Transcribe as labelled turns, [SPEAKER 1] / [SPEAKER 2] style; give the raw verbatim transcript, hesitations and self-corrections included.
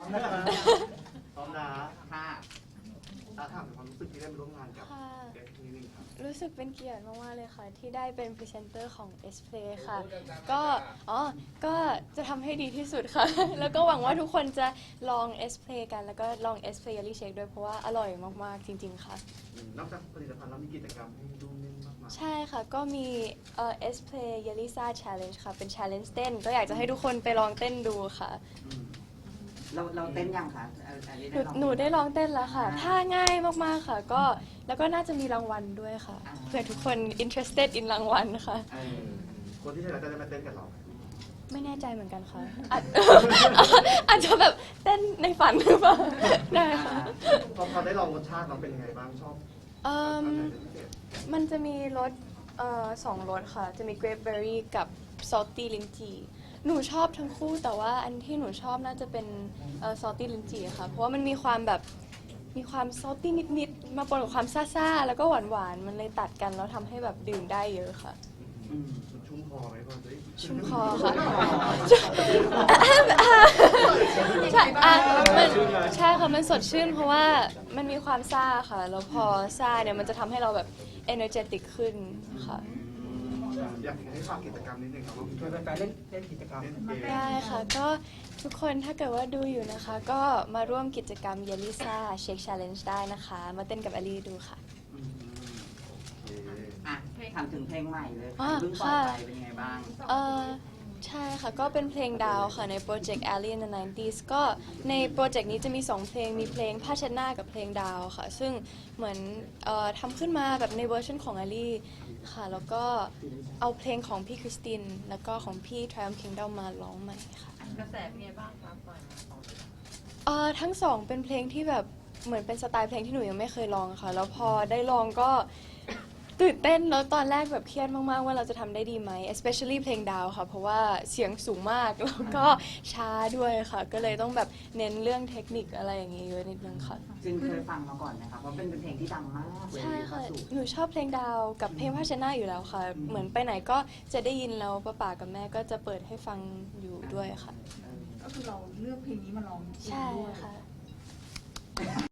[SPEAKER 1] พร้อมนะ
[SPEAKER 2] ค่ะ
[SPEAKER 1] ถ้าถามถึงความรู้สึกที่ได้มาร่วมงานกับ
[SPEAKER 3] ค่ะ
[SPEAKER 1] เอฟนิดนึงครับ
[SPEAKER 3] รู้สึกเป็นเกียรติมากๆเลยค่ะ ที่ได้เป็นพรีเซนเตอร์ของ S-Play ค่ะ ก็อ๋อก็จะทำให้ดีที่สุดค่ะ แล้วก็หวังว่าทุกคนจะลอง S-Play กัน แล้วก็ลอง S-Play Jelly Shake ด้วยเพราะว่าอร่อยมากๆจริงๆค่ะ
[SPEAKER 1] อืมนอกจากผลิตภัณฑ์แล้วมีกิจกรรมให้ดูเล่นมากมาย
[SPEAKER 3] ใช่ค่ะ ก็มีเอ่อ S-Play Jelly Sa Challenge ค่ะ เป็น challenge เต้น ก็อยากจะให้ทุกคนไปลองเต้นดูค่ะ
[SPEAKER 2] อืมเราเราเต้นยังคะอันนี้
[SPEAKER 3] หนู
[SPEAKER 2] ลอง
[SPEAKER 3] หนูได้ลองเต้นแล้วค่ะ ท่าง่ายมากๆค่ะ ก็แล้วก็น่าจะมีรางวัลด้วยค่ะ เผื่อทุกคน interested in รางวัลค่ะ
[SPEAKER 2] เออ
[SPEAKER 1] คนที่ชนะจะได้มาเต้นกับเราไหม
[SPEAKER 3] ไม่แน่ใจเหมือนกันค่ะ อาจ อาจจะแบบเต้นในฝันหรือเปล่า ได้ค่ะ
[SPEAKER 1] พอพอได้ลองรสชาติเราเป็นยังไงบ้างชอบ
[SPEAKER 3] เอิ่ม
[SPEAKER 1] อันไหนเป็นพิเศษ
[SPEAKER 3] มันจะมีรสเอ่อสองรสค่ะ จะมี grapeberry กับ salty lychee หนูชอบทั้งคู่ แต่ว่าอันที่หนูชอบน่าจะเป็นเอ่อ salty lychee ค่ะ เพราะว่ามันมีความแบบ มีความ salty นิดๆ มาปนกับความซ่าๆ แล้วก็หวานๆ มันเลยตัดกัน แล้วทำให้แบบดื่มได้เยอะค่ะ
[SPEAKER 2] อืม
[SPEAKER 1] มันชุ่มคอไหมพอจะได้
[SPEAKER 3] ชุ่มคอค่ะ ใช่อ่ะมันใช่ค่ะ มันสดชื่นเพราะว่ามันมีความซ่าค่ะ แล้วพอซ่าเนี่ยมันจะทำให้เราแบบ energetic ขึ้นค่ะ
[SPEAKER 1] อยากให้ฝากกิจกรรมนิดนึงครับว่า
[SPEAKER 4] ชวนแฟนๆเล่นเล่นกิจกรรม
[SPEAKER 1] เล่นเกม
[SPEAKER 3] ได้ค่ะ ก็ทุกคนถ้าเกิดว่าดูอยู่นะคะ ก็มาร่วมกิจกรรม Jelly Sa Shake Challenge ได้นะคะ มาเต้นกับอลีดูค่ะ
[SPEAKER 2] อืม
[SPEAKER 1] โอเค
[SPEAKER 2] อ่ะถามถึงเพลงใหม่เลย
[SPEAKER 3] อ่ะ
[SPEAKER 2] ค่ะเพิ่งปล่อย
[SPEAKER 3] ค่ะ
[SPEAKER 2] ไปเป็นยังไงบ้าง
[SPEAKER 3] เออใช่ค่ะ ก็เป็นเพลงดาวค่ะในโปรเจกต์ Alley in the ไนน์ตี้ส ก็ในโปรเจกต์นี้จะมีสองเพลง มีเพลงผ้าเช็ดหน้ากับเพลงดาวค่ะ ซึ่งเหมือนเอ่อทำขึ้นมาแบบในเวอร์ชันของ Alley ค่ะ แล้วก็เอาเพลงของพี่คริสติน แล้วก็ของพี่ Triumph Kingdom มาร้องใหม่ค่ะ
[SPEAKER 5] กระแสเป็นไงบ้างคะปล่อยมาสองเพลง
[SPEAKER 3] เอ่อทั้งสองเป็นเพลงที่แบบเหมือนเป็นสไตล์เพลงที่หนูยังไม่เคยลองค่ะ แล้วพอได้ลองก็ตื่นเต้นแล้วตอนแรกแบบเครียดมากๆว่าเราจะทำได้ดีไหม especially เพลงดาวค่ะ เพราะว่าเสียงสูงมากแล้วก็ช้าด้วยค่ะ ก็เลยต้องแบบเน้นเรื่องเทคนิคอะไรอย่างงี้เยอะนิดนึงค่ะ
[SPEAKER 2] จึงเคยฟังมาก่อนนะคะเพราะเป็นเพลงที่ดังมากเลย
[SPEAKER 3] ใช่ค่ะ
[SPEAKER 2] ล่าสุด
[SPEAKER 3] หนูชอบเพลงดาวกับเพลงผ้าเช็ดหน้าอยู่แล้วค่ะ เหมือนไปไหนก็จะได้ยินแล้วป้าป๋ากับแม่ก็จะเปิดให้ฟังอยู่ด้วยค่ะ
[SPEAKER 2] เออ
[SPEAKER 5] ก็คือเราเลือกเพลงนี้มาร้องเอง
[SPEAKER 3] ใช่
[SPEAKER 5] ด้วย
[SPEAKER 3] ค่ะ